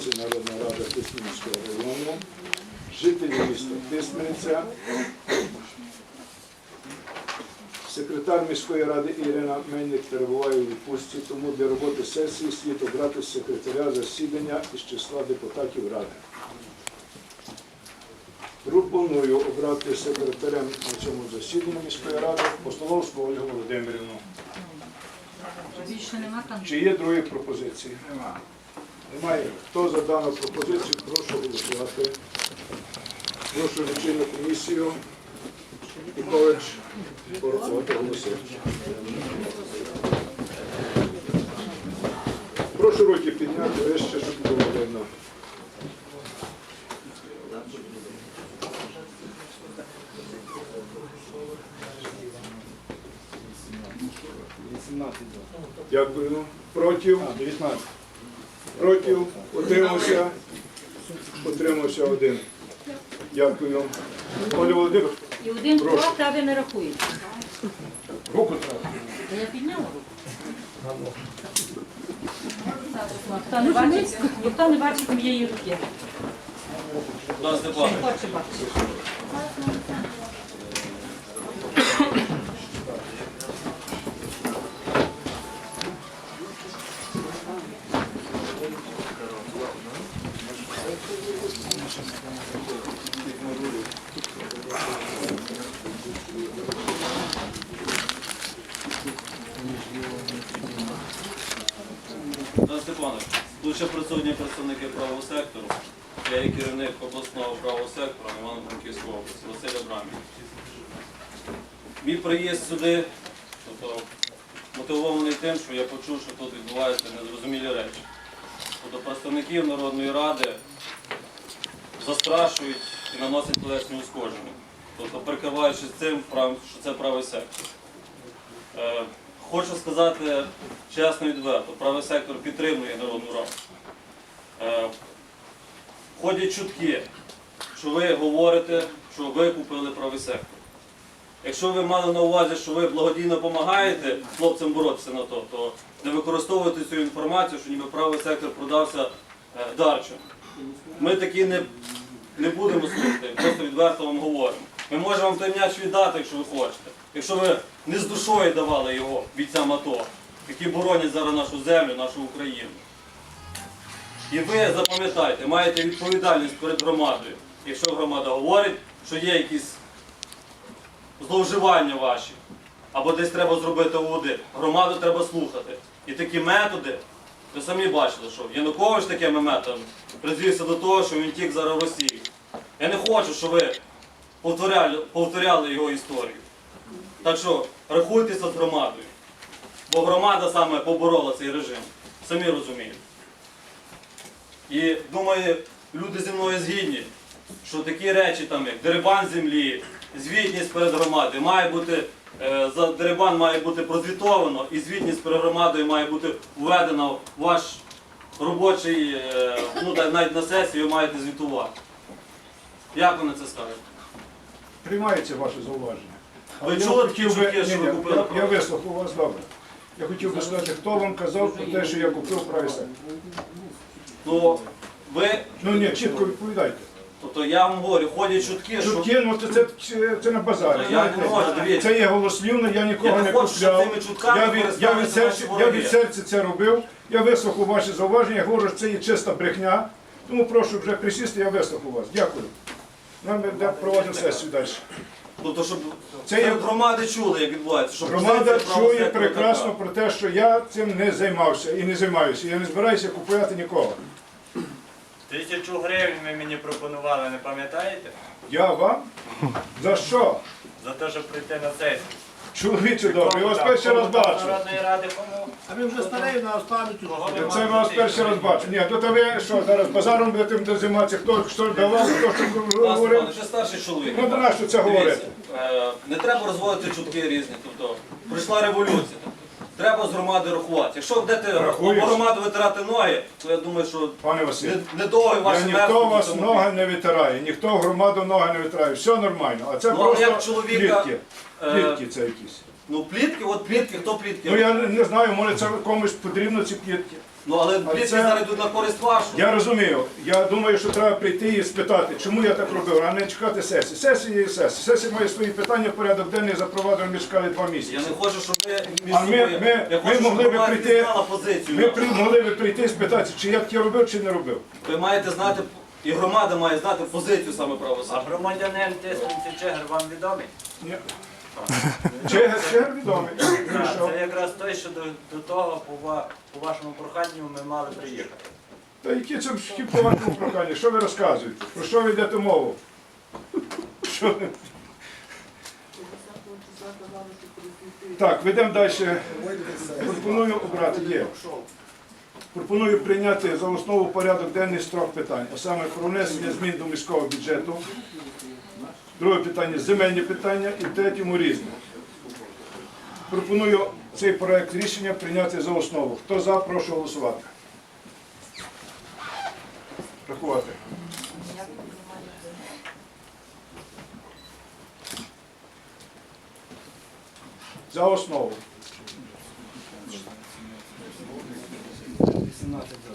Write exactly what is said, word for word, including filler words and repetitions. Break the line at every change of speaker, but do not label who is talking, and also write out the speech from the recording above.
Народна рада Тисменського району, жителі міста Тисмениця, секретар міської ради Ірина Мельник перебуває у відпустці, тому для роботи сесії слід обрати секретаря засідання із числа депутатів ради. Пропоную обрати секретарем на цьому засіданні міської ради Постоловську Ольгу Володимирівну.
Більше нема там?
Чи є другі пропозиції? Немає. Немає. Хто за дану пропозицію, прошу голосувати. Прошу лічильну комісію. Пікович порахувати голоси. Прошу руки підняти вище, щоб було видно. Дякую. Проти? Проти? Утримався? Утримався один. Дякую. Оля Володимирівна.
І один проти, а ви не рахуєте.
Руку треба.
Та я підняла руку. Ніхто не бачить, ніхто не бачить моєї руки. Хоче бачити.
Тарас Степанович, тут ще присутні представники правого сектору. Я є керівник обласного правого сектора Івано-Франківської області, Василь Абрамів. Мій приїзд сюди тобто, мотивований тим, що я почув, що тут відбуваються незрозумілі речі. Тобто представників Народної ради застрашують і наносять тілесні ушкодження. Тобто прикриваючись цим, що це правий сектор. Хочу сказати чесно і відверто, правий сектор підтримує Народну раду. Ходять чутки, що ви говорите, що ви купили правий сектор. Якщо ви мали на увазі, що ви благодійно допомагаєте хлопцям боротися на то, то не використовуйте цю інформацію, що ніби правий сектор продався дарчим. Ми такі не, не будемо слухати, просто відверто вам говоримо. Ми можемо вам той м'яч віддати, якщо ви хочете. Якщо ви не з душою давали його бійцям АТО, які боронять зараз нашу землю, нашу Україну. І ви запам'ятайте, маєте відповідальність перед громадою. Якщо громада говорить, що є якісь зловживання ваші, або десь треба зробити аудит, громаду треба слухати. І такі методи, ви самі бачили, що Янукович такими методами призвівся до того, що він тік зараз в Росію. Я не хочу, щоб ви повторяли, повторяли його історію. Так що рахуйтеся з громадою, бо громада саме поборола цей режим, самі розумієте. І думаю, люди зі мною згідні, що такі речі, там, як дерибан землі, звітність перед громадою, має бути, е, за дерибан має бути прозвітовано, і звітність перед громадою має бути введена в ваш робочий, е, ну навіть на сесію ви маєте звітувати. Як ви на це скажете?
Приймається ваше зауваження.
Ви чули такі чутки, що ви купили?
Я, я вислухав вас добре. Я хотів би сказати, хто вам казав про те, що я купив правий сектор.
Ну, ви...
Ну ні, чітко відповідайте.
Тобто я вам говорю, ходять чутки, що...
Чутки, ну це, це, це на базарі.
Я не можу, дивіться.
Це є голослівно, я нікого
Я не
не
хочу, щоб
купляв.
цими чутками
Я від, я, від
користалися
серця,
ваші
я
вороги.
від серця це робив, я вислухав ваші зауваження, я говорю, що це є чиста брехня. Тому прошу вже присісти, я вислухав вас. Дякую. Нам проводимо сесію далі.
Тобто, щоб
Це є-
громади чули, як відбувається. Щоб
Громада
позиція правого
чує
сектора
прекрасно
така.
про те, що я цим не займався і не займаюся. Я не збираюся купувати нікого.
Тисячу гривень ви мені пропонували, не пам'ятаєте?
Я вам? За що?
За те, щоб прийти на сесію.
Чоловіче добре, я вас перший раз бачу.
Народної ради кому?
А ви вже старий на пам'ятю.
Це я вас перший раз бачу. Ні, то ви що, зараз базаром будете займатися, хто що давав, хто що
Пан
говорив.
Степанович, ви старший чоловік.
Ну, до нас що це говорить?
Дивіться, е, не треба розводити чутки різні. Тобто, прийшла революція. Тобто, треба з громади рахувати. Якщо будете
Рахуєш?
по громаду витирати ноги, то я думаю, що
Пане Василь,
не- недовго
я
ваші
ніхто
мерзнуть,
вас
тому-
ноги не витирає, ніхто в громаду ноги не витирає, все нормально. А це
Ну, а як
просто
чоловіка,
плітки.
е,
Плітки це якісь.
Ну, плітки, от плітки, хто плітки?
Ну я не не знаю, може це комусь потрібно ці плітки.
Ну але
А
плітки
це-
зараз йдуть на користь вашу.
Я розумію. Я думаю, що треба прийти і спитати, чому я так робив, а не чекати сесії. Сесія є сесія. Сесія має свої питання, порядок денний запровадив, ми чекали два місяці.
Я не хочу, щоб ви між
А ми-
собою...
ми-
я
ми
хочу, щоб
могли би
громадськість
прийти-
знала позицію.
Ми
нашу.
при- могли би прийти і спитати, чи я таке робив, чи не робив.
Ви маєте знати, і громада має знати позицію саме правого
А
сектору.
громадянин Тисменці Чигир вам відомий?
Ні. Чегер, Чегер відомий. Ну, і
Так,
що?
це якраз той, що до, до того по, ва- по вашому проханню ми мали приїхати.
Та які це вхід по вашому проханню? Що ви розказуєте? Про що ви йдете мову? Що ви? Так, ведемо далі. Пропоную обрати. Є. Пропоную прийняти за основу порядок денний з трьох питань, а саме про внесення змін до міського бюджету. Друге питання земельні питання і в третьому різне. Пропоную цей проект рішення прийняти за основу. Хто за, прошу голосувати. Рахувати. За основу.